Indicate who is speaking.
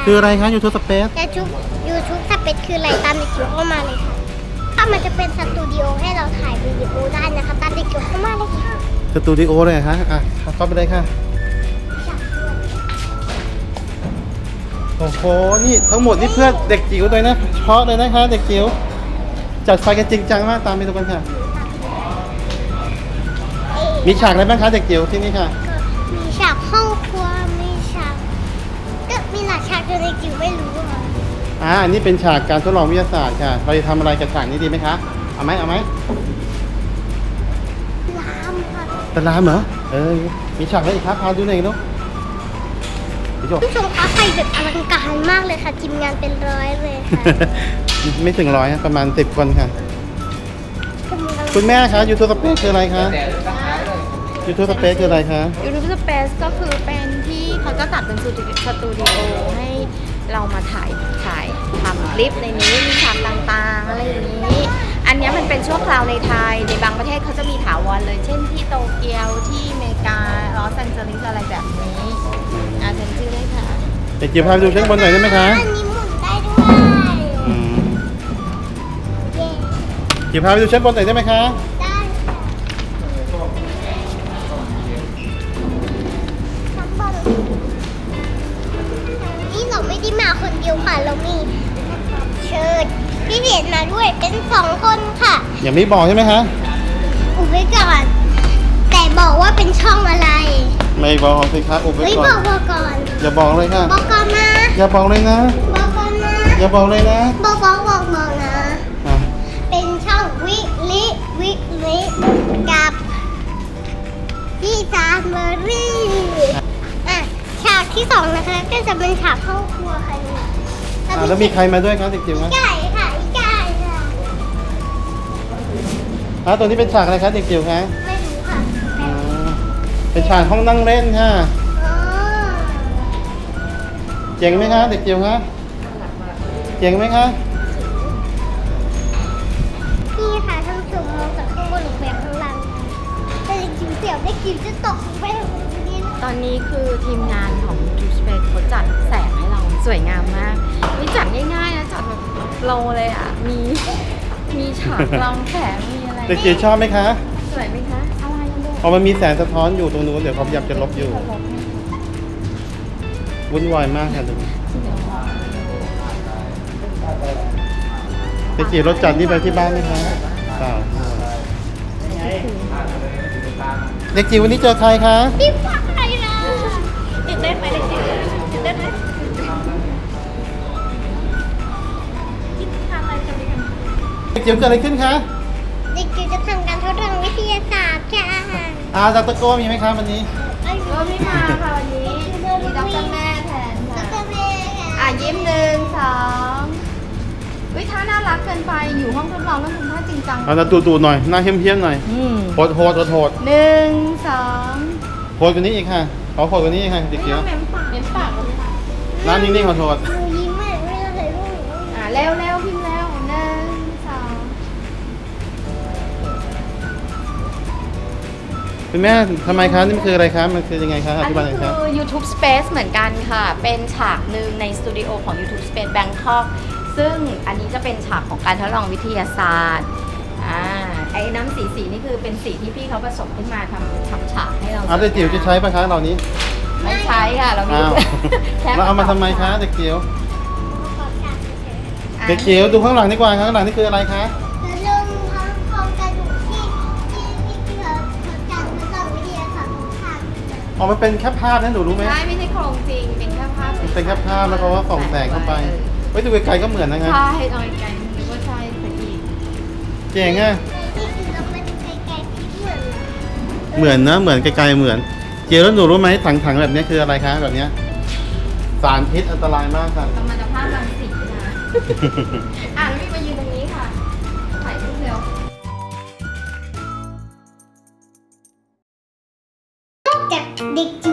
Speaker 1: คืออะไรคะ YouTube Space
Speaker 2: YouTube Space คืออะไรตามเด็กจิ๋วเข้ามาเลยค่ะถ้ามันจะเป็นสตูดิโอให้เราถ่ายวิดีโอได้นะคะตามเด็กจิ๋วเข้ามาเลยค่ะ
Speaker 1: สตูดิโอเลยเหรอคะเข้าไปเลยค่ะ โอ้โห นี่ทั้งหมดนี่เพื่อเด็กจิ๋วเลยนะเฉพาะเลยนะคะ เด็กจิ๋วจัดไฟกันจริงจังมากตามไปดูกันค่ะ มีฉากอะไรบ้างคะเด็กจิ๋วที่นี่ค่ะ
Speaker 2: มีฉากห้องครัวมีฉากก็มีหลายฉากจนเด็กจิ๋วไม่รู้ค่ะ
Speaker 1: อันนี้เป็นฉากการทดลองวิทยาศาสตร์ค่ะ เราจะทำอะไรกับฉากนี้ดีไหมคะ เอาไหม
Speaker 2: ลามค่ะ
Speaker 1: ตะลามเหรอ มีฉากอะไรอีกครับพาดูหน่อยลูกพี่โจ
Speaker 2: ผู้ชมคะไฟแบบอลังการมากเลยค่ะทีมงานเป็นร้อยเลยค่ะ
Speaker 1: ไม่ถึง100นะประมาณ10 คนค่ะ
Speaker 2: กำลัง
Speaker 1: คุณแม่คะ YouTube Space คืออะไรคะ YouTube Space คืออะไรคะ
Speaker 3: YouTube Space ก็คือเป็นที่เขาจะจัดเป็นสตูดิโอให้เรามาถ่ายทำคลิปในนี้มีฉากต่างๆอะไรอย่างนี้ อันนี้มันเป็นชั่วคราวในไทยในบางประเทศเขาจะมีถาวรเลย เช่นที่โตเกียวที่อเมริกาลอสแอนเจลิสอะไรแบบนี้เซ็นชื่อได้ค่ะ
Speaker 1: เด็กจิ๋วพาไปดูชั้นบนหน่อยได้ไหมคะ
Speaker 2: อันนี้หมุนได้ด้วย
Speaker 1: อืม
Speaker 2: เย้
Speaker 1: จิ๋วพาไปดูชั้นบนหน่อยได้ไหมคะ
Speaker 2: ได้ค่ะทั้งหมดนี่เราไม่ได้มาคนเดียวค่ะ เรามีเชิญพี่เดียนมาด้วยเป็น2 คนค่ะ
Speaker 1: ยังไม่บอกใช่ไหมคะ
Speaker 2: อุบไว้ก่อน แต่บอกว่าเป็นช่องอะไร
Speaker 1: ไม่บอกสิคะอุบไว้
Speaker 2: เฮ้ย
Speaker 1: ก่อบ น
Speaker 2: อกก่อน
Speaker 1: อย่าบอกเลยค่ะ
Speaker 2: บอกก่อนนะ
Speaker 1: อย่าบอกเลยนะ
Speaker 2: บอกก่อนนะ
Speaker 1: อย่าบอกเลยนะ
Speaker 2: บอกนะ
Speaker 1: อ่ะ
Speaker 2: เป็นช่องวิลิกับพี่จามเบอรี่อ่ะฉากที่ 2นะคะก็จะเป็นฉากห้องครัวค่ะนี่
Speaker 1: แล้วมีใครมาด้วยครับเด็กจิ๋วคะ
Speaker 2: ไก่ค่ะอีไก่ค่ะ
Speaker 1: ตัวนี้เป็นฉากอะไรคะเด็กจิ๋วคะ
Speaker 2: ไม่รู้ค่ะ
Speaker 1: อ๋อเป็นฉากห้องนั่งเล่นค่ะ
Speaker 2: อ๋อ
Speaker 1: เจ๋งไหมคะเด็กจิ๋วคะเจ๋งไหมคะ
Speaker 2: นี่ค่ะท่านผู้ชมมองจากข้างบนลงไปข้างล่างแต่เด็กจิ๋วเสียวเด็กจิ๋วจะตกลงไปตรงนี้นะ
Speaker 3: ตอนนี้คือทีมงานของ YouTube Space เขาจัดแสงให้เราสวยงามมากนี่จัดง่ายๆนะจัดแบบโปรเลยอ่ะมีฉากกลองแสงมีอะไร
Speaker 1: เด็กจิ๋วชอบไหมคะ
Speaker 3: สวยไหมคะอะไรกันด้วย
Speaker 1: พอมันมีแสงสะท้อนอยู่ตรงนู้นเดี๋ยวเขาพยายามจะลบอยู่วุ่นวายมากค่ะตรงนี้เด็กจิ๋วรถจัดนี่ไปที่บ้านไหมคะเปล่าเด็กจิ๋ววันนี้เจอใครคะ
Speaker 2: นี่ฟังอะไรนะ
Speaker 3: ตื่นเต้นไหมเด็กจิ๋วตื่นเต้นไหมคิดทำอะไรกันดีกัน
Speaker 1: เด็กจิ๋วเกิดอะไรขึ้นคะ
Speaker 2: เด็กจิ๋วจะทำการทดลองวิทยาศาสตร์ค่ะ
Speaker 1: ดรโก้มีไหมคะวันนี้
Speaker 3: ก็ไม่มาค่ะวันนี้มีด็อกเตอร์แม่แทน
Speaker 2: ด
Speaker 3: ค่ะ
Speaker 2: รเมย์ค่ะ
Speaker 3: ยิ้ม1 2วิท่าน่ารักเกินไปอยู่ห้องทดลองต้องทำท่าจริงจัง
Speaker 1: เอาละตูๆหน่อยหน้าเฮี้ยมๆหน่อยโหดโหดโหด
Speaker 3: 1 2
Speaker 1: โหดกว่านี้อีกค่ะขอโหดกว่านี้อีกค่ะเด็กจิ๋ว
Speaker 3: เม้มปากเลยค่ะ
Speaker 1: หน้านิ่งๆขอโทษ
Speaker 2: หนูยิ้มอ่ะไม่ต้องใส่รูป
Speaker 3: เร็วพิมพ์แล้ว1 2
Speaker 1: คุณแม่ทำไมคะนี่มันคืออะไรคะมันคือยังไงคะอ
Speaker 3: อัน
Speaker 1: ธิบายห
Speaker 3: นี้
Speaker 1: น่อยครับ
Speaker 3: คือ YouTube Space เหมือนกันค่ะ เป็นฉากหนึ่งในสตูดิโอของ YouTube Space Bangkok ซึ่งอันนี้จะเป็นฉากของการทดลองวิทยาศาสตร์ไอ้น้ำสีนี่คือเป็นสีที่พี่เขาผสมขึ้นมาทำฉากให้เรา
Speaker 1: เด็กจิ๋วจะใช้ปะคะเหล่านี้
Speaker 3: ไม่ใช้ค่ะ เรามี
Speaker 1: อ้าว
Speaker 3: แค่
Speaker 1: แล้วเอามาทำไมคะเด็กจิ๋ว
Speaker 2: ขอบฉากเฉย
Speaker 1: เด็กจิ๋วดูข้างหลังดีกว่าข้างหลังนี่คืออะไรคะ
Speaker 2: ๆแล้วเรื่องทั้งโครงกระดูกที่เขาจัดทดลองวิทยาศาสตร์ของทาง
Speaker 1: อ๋อมันเป็นแค่ภาพนะหนูรู้ไหม
Speaker 3: ใช่ไม่ใช่โครงจริง เป็นแค่ภาพ
Speaker 1: มันเป็นแค่ภาพแล้วเขาก็ส่องแสงเข้าไปไว้ดูไกลๆก็เหมือนนะคะ
Speaker 3: ใช่ตอนไกลนึกว่าใช่ไปอีก
Speaker 1: เจ๋งอ่ะ
Speaker 2: นี่คือเราไม่ได้ไกลๆที่เหมือน
Speaker 1: เหมือนนะเหมือนไกลๆเหมือนเจียวแล้วหนูรู้ไหมถังๆแบบนี้คืออะไรคะแบบเนี้ยสารพิษอันตรายมากค่ะ
Speaker 3: กำลังจะภาพรังสีนะ แล้วมีมายืนตรงนี้ค่ะ ถ่ายรูปเร็ว
Speaker 2: จากเด็กจิ